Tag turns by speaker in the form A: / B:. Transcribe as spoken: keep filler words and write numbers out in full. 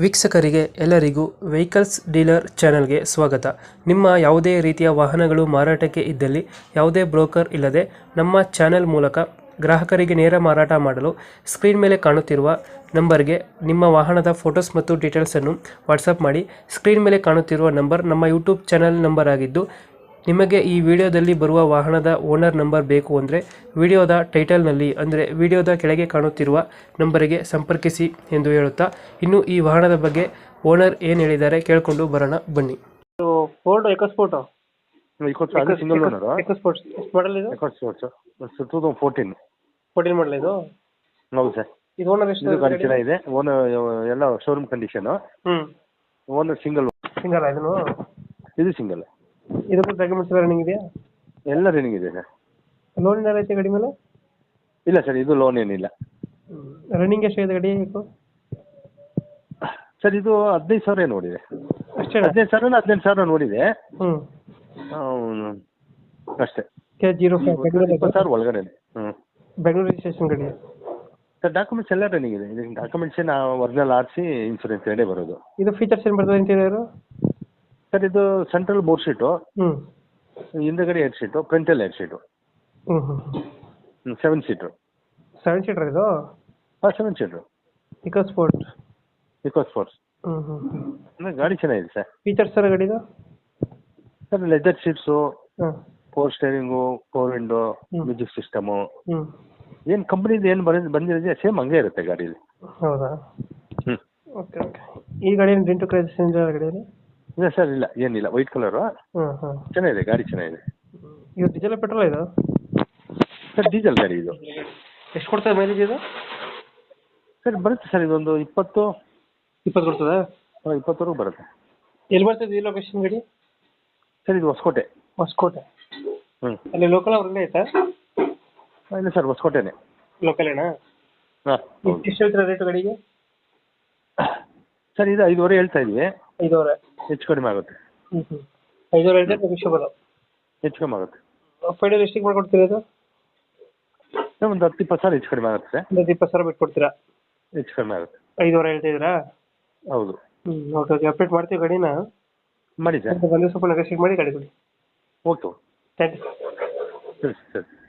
A: ವೀಕ್ಷಕರಿಗೆ ಎಲ್ಲರಿಗೂ vehicles dealer ಚಾನೆಲ್ಗೆ ಸ್ವಾಗತ. ನಿಮ್ಮ ಯಾವುದೇ ರೀತಿಯ ವಾಹನಗಳು ಮಾರಾಟಕ್ಕೆ ಇದ್ದಲ್ಲಿ ಯಾವುದೇ ಬ್ರೋಕರ್ ಇಲ್ಲದೆ ನಮ್ಮ ಚಾನೆಲ್ ಮೂಲಕ ಗ್ರಾಹಕರಿಗೆ ನೇರ ಮಾರಾಟ ಮಾಡಲು ಸ್ಕ್ರೀನ್ ಮೇಲೆ ಕಾಣುತ್ತಿರುವ ನಂಬರ್ಗೆ ನಿಮ್ಮ ವಾಹನದ ಫೋಟೋಸ್ ಮತ್ತು ಡೀಟೇಲ್ಸನ್ನು ವಾಟ್ಸಪ್ ಮಾಡಿ. ಸ್ಕ್ರೀನ್ ಮೇಲೆ ಕಾಣುತ್ತಿರುವ ನಂಬರ್ ನಮ್ಮ ಯೂಟ್ಯೂಬ್ ಚಾನೆಲ್ ನಂಬರ್ ಆಗಿದ್ದು, ನಿಮಗೆ ಈ ವಿಡಿಯೋದಲ್ಲಿ ಬರುವ ವಾಹನದ ಓನರ್ ನಂಬರ್ ಬೇಕು ಅಂದರೆ ವಿಡಿಯೋದ ಟೈಟಲ್ನಲ್ಲಿ ಅಂದರೆ ವಿಡಿಯೋದ ಕೆಳಗೆ ಕಾಣುತ್ತಿರುವ ನಂಬರಿಗೆ ಸಂಪರ್ಕಿಸಿ ಎಂದು ಹೇಳುತ್ತಾ, ಇನ್ನು ಈ ವಾಹನದ ಬಗ್ಗೆ ಓನರ್ ಏನು ಹೇಳಿದ್ದಾರೆ ಕೇಳಿಕೊಂಡು ಬರೋಣ ಬನ್ನಿ. Ford EcoSport
B: single owner
A: EcoSport ಎಷ್ಟು ಮಾಡಲ್ ಇದು?
B: EcoSports two thousand fourteen
A: fourteen model ಇದು?
B: ಹೌದು ಸರ್.
A: ಇದು ಓನರ್ ಎಷ್ಟು?
B: ಗಾಡಿ ಚೆನ್ನಾಗಿದೆ, ಓನರ್ ಎಲ್ಲ ಶೋರೂಮ್ ಕಂಡೀಷನ್.
A: ಹ್ಞೂ
B: ಓನರ್ ಸಿಂಗಲ್
A: ಸಿಂಗಲ್ ಇದನ್ನು?
B: ಇದು ಸಿಂಗಲ್.
A: ಇದಕ್ಕೂ ಡಾಕ್ಯುಮೆಂಟ್ಸ್ ಎಲ್ಲ ರನ್ನಿಂಗ್ ಇದೆಯಾ?
B: ಎಲ್ಲ ರನ್ನಿಂಗ್ ಇದೆ ಸರ್.
A: ಲೋನ್ ಏನಾರು ಐತೆ ಗಾಡಿ ಮೇಲೆ?
B: ಇಲ್ಲ ಸರ್, ಇದು ಲೋನ್ ಏನಿಲ್ಲ.
A: ರನ್ನಿಂಗ್ ಎಷ್ಟಾಗಿದೆ ಗಾಡಿ
B: ಸರ್ ಇದು ಹದಿನೈದು ಸಾವಿರ ನೋಡಿದೆ
A: ಅಷ್ಟೇ?
B: ಹದಿನೈದು ಸಾವಿರ ಹದಿನೆಂಟು ಸಾವಿರ ನೋಡಿದೆ.
A: ಹ್ಞೂ
B: ಹ್ಮ್. ಅಷ್ಟೇ.
A: ಕೆ ಜೀರೋ
B: ಇಪ್ಪತ್ತು ಸಾವಿರ ಒಳಗಡೆ. ಹ್ಞೂ
A: ಬೆಂಗಳೂರು ರಿಜಿಸ್ಟ್ರೇಷನ್ ಗಾಡಿ
B: ಸರ್. ಡಾಕ್ಯುಮೆಂಟ್ಸ್ ಎಲ್ಲ ರನ್ನಿಂಗ್ ಇದೆ. ಇದು documents original R C insurance ಎರಡೇ ಬರೋದು.
A: ಇದು ಫೀಚರ್ಸ್ ಏನು ಬರ್ತದೆ ಇಂಟೀರಿಯರು?
B: ಸರ್ ಇದು ಸೆಂಟ್ರಲ್ ಬೋರ್ ಶೀಟು,
A: ಹ್ಞೂ
B: ಹಿಂದಗಡೆ ಎರಡು ಸೀಟು, ಫ್ರಂಟಲ್ಲಿ ಎರಡು ಸೀಟು,
A: ಹ್ಞೂ ಹ್ಞೂ
B: ಸೆವೆನ್ ಸೀಟ್ರು.
A: ಸೆವೆನ್ ಸೀಟರ್ ಇದು?
B: ಹಾಂ, ಸೆವೆನ್ ಸೀಟ್ರು.
A: ಇಕೋಸ್ಪೋರ್ಟ್
B: ಇಕೋಸ್ಪೋರ್ಟ್ಸ್.
A: ಹ್ಞೂ ಹ್ಞೂ
B: ಅಂದರೆ ಗಾಡಿ ಚೆನ್ನಾಗಿದೆ ಸರ್.
A: ಫೀಚರ್ಸ್ ಸರ್ ಗಾಡಿದು?
B: ಸರ್ ಲೆದರ್ ಸೀಟ್ಸು,
A: ಹಾಂ,
B: ಫೋರ್ ಸ್ಟೇರಿಂಗು, ಫೋರ್ ವಿಂಡೋ,
A: ಹ್ಮ್.
B: ಮ್ಯೂಸಿಕ್ ಸಿಸ್ಟಮು,
A: ಹ್ಞೂ
B: ಏನು ಕಂಪ್ನಿದು ಏನು ಬಂದು ಬಂದಿರೋದೇ ಸೇಮ್ ಹಂಗೆ ಇರುತ್ತೆ ಗಾಡೀಲಿ.
A: ಹೌದಾ?
B: ಹ್ಞೂ.
A: Okay okay. ಈ ಗಾಡಿ ಏನು ಡೆಂಟು ಕ್ರೈಸಸ್ ಏನಿದೆ ಗಾಡಿಯಲ್ಲಿ?
B: ಇಲ್ಲ ಸರ್, ಇಲ್ಲ ಏನಿಲ್ಲ. ವೈಟ್ ಕಲರು
A: ಹಾಂ ಹಾಂ
B: ಚೆನ್ನಾಗಿದೆ, ಗಾಡಿ ಚೆನ್ನಾಗಿದೆ.
A: ಇದು ಡೀಸೆಲ್ ಪೆಟ್ರೋಲ್ ಇದು?
B: ಸರ್ ಡೀಸೆಲ್ ಗಾಡಿ ಇದು.
A: ಎಷ್ಟು ಕೊಡ್ತದೆ ಮೈಲೇಜ್ ಇದು?
B: ಸರ್ ಬರುತ್ತೆ ಸರ್, ಇದೊಂದು ಇಪ್ಪತ್ತು
A: ಇಪ್ಪತ್ತು ಕೊಡ್ತದೆ?
B: ಹಾಂ, ಇಪ್ಪತ್ತವರೆಗೂ ಬರುತ್ತೆ.
A: ಎಲ್ಲಿ ಬರ್ತದೆ ಈ ಲೊಕೇಶನ್ ಗಾಡಿ?
B: ಸರ್ ಇದು ಹೊಸಕೋಟೆ.
A: ಹೊಸಕೋಟೆ?
B: ಹ್ಞೂ.
A: ಅಲ್ಲಿ ಲೋಕಲ್ ಅವ್ರಲ್ಲೇ ಆಯ್ತಾ?
B: ಇಲ್ಲ ಸರ್, ಹೊಸಕೋಟೆನೇ.
A: ಲೋಕಲೇನಾ?
B: ಹಾಂ.
A: ಎಷ್ಟು ಹೇಳ್ತೀರಾ ರೇಟು ಗಾಡಿಗೆ?
B: ಸರ್ ಇದು ಐದುವರೆ ಹೇಳ್ತಾ ಇದ್ವಿ.
A: ಐದೂವರೆ?
B: ಹೆಚ್ಚು ಕಡಿಮೆ ಆಗುತ್ತೆ.
A: ಹ್ಞೂ ಹ್ಞೂ ಐದೂವರೆ ಹೇಳಿದ್ರೆ ನೆಗೋಷಿಯಬಲ್?
B: ಹೆಚ್ಚು ಕಡಿಮೆ ಆಗುತ್ತೆ.
A: ಫೈನಲ್ ಎಷ್ಟಿಗೆ ಮಾಡ್ಕೊಡ್ತೀರಾ ಇದು?
B: ಒಂದು ಹತ್ತು ಇಪ್ಪತ್ತು ಸಾವಿರ ಹೆಚ್ಚು ಕಡಿಮೆ ಆಗುತ್ತೆ ಸರ್.
A: ಒಂದು ಇಪ್ಪತ್ತು ಸಾವಿರ ಬಿಟ್ಟು ಕೊಡ್ತೀರಾ?
B: ಹೆಚ್ಚು ಕಡಿಮೆ ಆಗುತ್ತೆ.
A: ಐದೂವರೆ ಹೇಳ್ತಿದ್ದೀರಾ?
B: ಹೌದು.
A: ಹ್ಞೂ ಓಕೆ ಓಕೆ. ಅಪ್ಡೇಟ್ ಮಾಡ್ತೀವಿ ಗಾಡಿನ.
B: ಮಾಡಿ ಸರ್.
A: ಬಂದು ಸ್ವಲ್ಪ ನೆಗೋಷಿಯೇಟ್ ಮಾಡಿ ಗಾಡಿ ಕೊಡಿ.
B: ಓಕೆ.
A: Thank you.
B: ಸರಿ ಸರಿ.